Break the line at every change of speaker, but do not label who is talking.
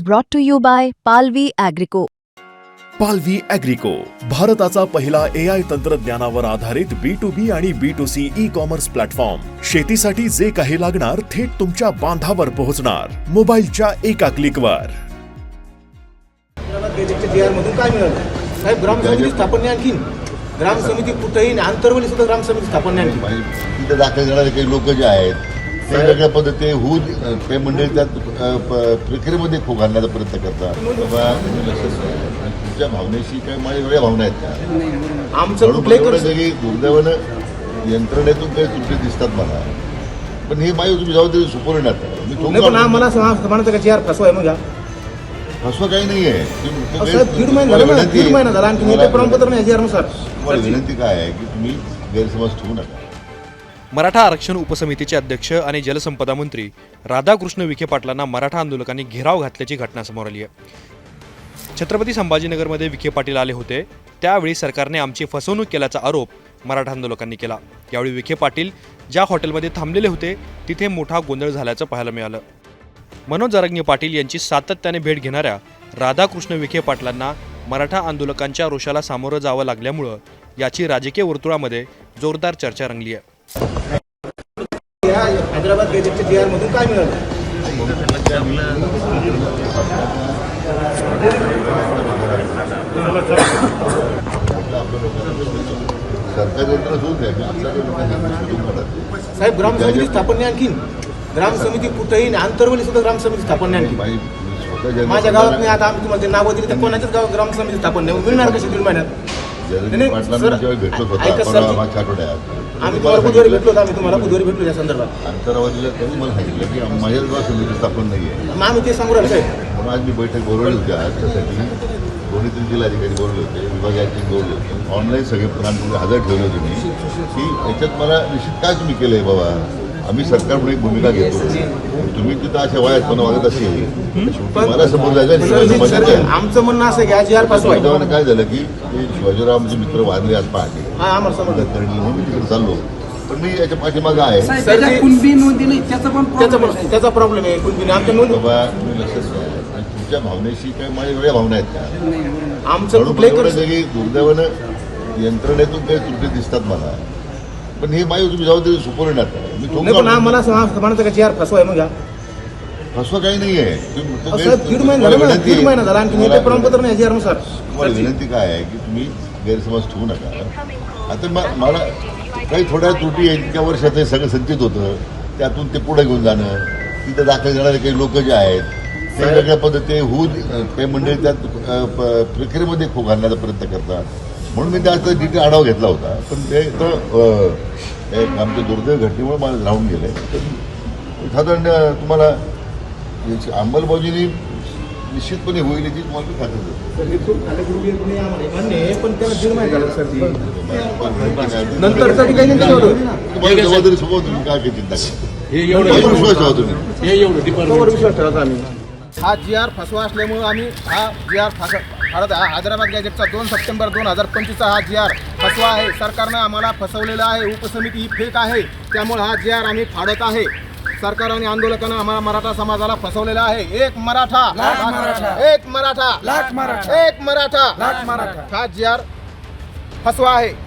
brought to you by Palvi Agrico.
पालवी ॲग्रिको, भारताचा पहिला AI तंत्रज्ञानावर आधारित B2B आणि B2C ई-कॉमर्स प्लॅटफॉर्म. शेतीसाठी जे काही लागणार थेट तुमच्या बांधावर पोहोचणार, मोबाईलच्या एका क्लिकवर.
मधून काय मिळालं साहेब? ग्रामसमिती स्थापन नाही, आणखी ग्रामसमिती कुठेही आंतरवली सुद्धा ग्रामसमिती स्थापन नाही आणखी.
तिथे दाखल करणारे काही लोक जे आहेत ते वेगळ्या पद्धती होऊन काही मंडळी त्यात प्रक्रियेमध्ये खो घालण्याचा प्रयत्न करतात. बाबा तुमच्या भावनेशी काय माझ्या वेगळ्या भावना आहेत का?
आमचं
की दुर्दैवानं यंत्रणेतून काही त्रुटी दिसतात मला, पण हे माझी तुम्ही जबाबदारी सुपवून आता
मला म्हणायचं का जी फसवा आहे मग
फसवा काही नाही आहे.
दीड महिना झाला आणखी प्रमाणपत्र नाही नुसार.
तुम्हाला विनंती काय आहे की तुम्ही गैरसमज ठेवू नका.
मराठा आरक्षण उपसमितीचे अध्यक्ष आणि जलसंपदा मंत्री राधाकृष्ण विखे पाटलांना मराठा आंदोलकांनी घेराव घातल्याची घटना समोर आली आहे. छत्रपती संभाजीनगरमध्ये विखे पाटील आले होते, त्यावेळी सरकारने आमची फसवणूक केल्याचा आरोप मराठा आंदोलकांनी केला. यावेळी विखे पाटील ज्या हॉटेलमध्ये थांबलेले होते तिथे मोठा गोंधळ झाल्याचं पाहायला मिळालं. मनोज जरांगे पाटील यांची सातत्याने भेट घेणाऱ्या राधाकृष्ण विखे पाटलांना मराठा आंदोलकांच्या रोषाला सामोरं जावं लागल्यामुळं याची राजकीय वर्तुळामध्ये जोरदार चर्चा रंगली आहे.
हैदराबाद गॅजेटच्या जी आर मधून काय मिळालं? साहेब ग्रामसमिती स्थापन नाही, आणखी ग्रामसमिती कुठेही आंतरवली सुद्धा ग्रामसमिती स्थापन नाही आणखी. माझ्या गावात नाही. आता आम्ही तुम्हाला नाव दिली तर कोणाच्याच गावात ग्रामसमिती स्थापन नाही मिळणार कशी दीड महिन्यात? आम्ही तुम्हाला बुधवारी भेटलो होतो. आम्ही तुम्हाला बुधवारी भेटलो या संदर्भात.
अंतरावधीला त्यांनी मला सांगितलं की माझ्या गावात समिती स्थापन नाही आहे.
मग आम्ही ते सांगू राहिलो साहेब.
म्हणून आज मी बैठक बोलवली होती. आज त्यासाठी दोन्ही तीन जिल्हाधिकारी बोलले होते, विभागाचे बोलले होते, ऑनलाईन सगळे प्रणाली हजर ठेवले होते मी की याच्यात मला निश्चित काय तुम्ही केलंय बाबा. आम्ही सरकार म्हणून एक भूमिका घेतो, तुम्ही तिथं अशा वयातपणा वागत असेल मला समोर जायचं.
आमचं म्हणणं असं की आज यार पासून
काय झालं की शिवाजीरावचे मित्र वारले आज पहाटे करणी म्हणून मी तिकडे चाललो, पण मी याच्या पाठीमागं आहे.
त्याचा प्रॉब्लेम आहे कुणबी आमच्या नोंद.
बाबा तुम्ही लक्षात घ्या, तुमच्या भावनेशी काय माझ्या वेगळ्या भावना आहेत का?
आमचं
की दुर्दैवानं यंत्रणेतून काही त्रुटी दिसतात मला, पण हे माझी तुम्ही जबाबदारी सुपवून आता.
मला म्हणायचं का जी आर फसवा आहे मग
फसवा काही नाही आहे.
दीड महिना झाला आणखी प्रमाणपत्र नाही जी आर नुसार.
तुम्हाला विनंती काय आहे की तुम्ही गैरसमज ठेवू नका. आता मला काही थोड्या त्रुटी आहेत, इतक्या वर्षात हे सगळं संचित होतं, त्यातून ते पुढे घेऊन जाणं, तिथे दाखल करणारे काही लोक जे आहेत ते वेगळ्या पद्धती होऊन काही मंडळी त्यात प्रक्रियेमध्ये खो घालण्याचा प्रयत्न करतात. म्हणून मी त्याचा डिटेल आढावा घेतला होता, पण ते तर आमच्या दुर्दैव घटनेमुळे मला राहून गेलं. साधारण तुम्हाला याची अंमलबजावणी निश्चितपणे होईल याची तुम्हाला मी खात्री देतो. तुम्हाला जबाबदारी सोबत तुम्ही काय काही चिंता करा, विश्वास ठेवा तुम्ही.
विश्वास ठेवायचा आम्ही. हा जी आर फसवा असल्यामुळे आम्ही हा जी आर हैदराबाद गॅजेटचा 2 सप्टेंबर 2025 हा जी आर फसवा आहे. सरकारनं आम्हाला फसवलेलं आहे. उपसमिती ही फेक आहे, त्यामुळे हा जी आर आम्ही फाडत आहे. सरकार आणि आंदोलकांना आम्हाला मराठा समाजाला फसवलेला आहे. एक मराठा एक मराठा एक मराठा हा जी आर फसवा आहे.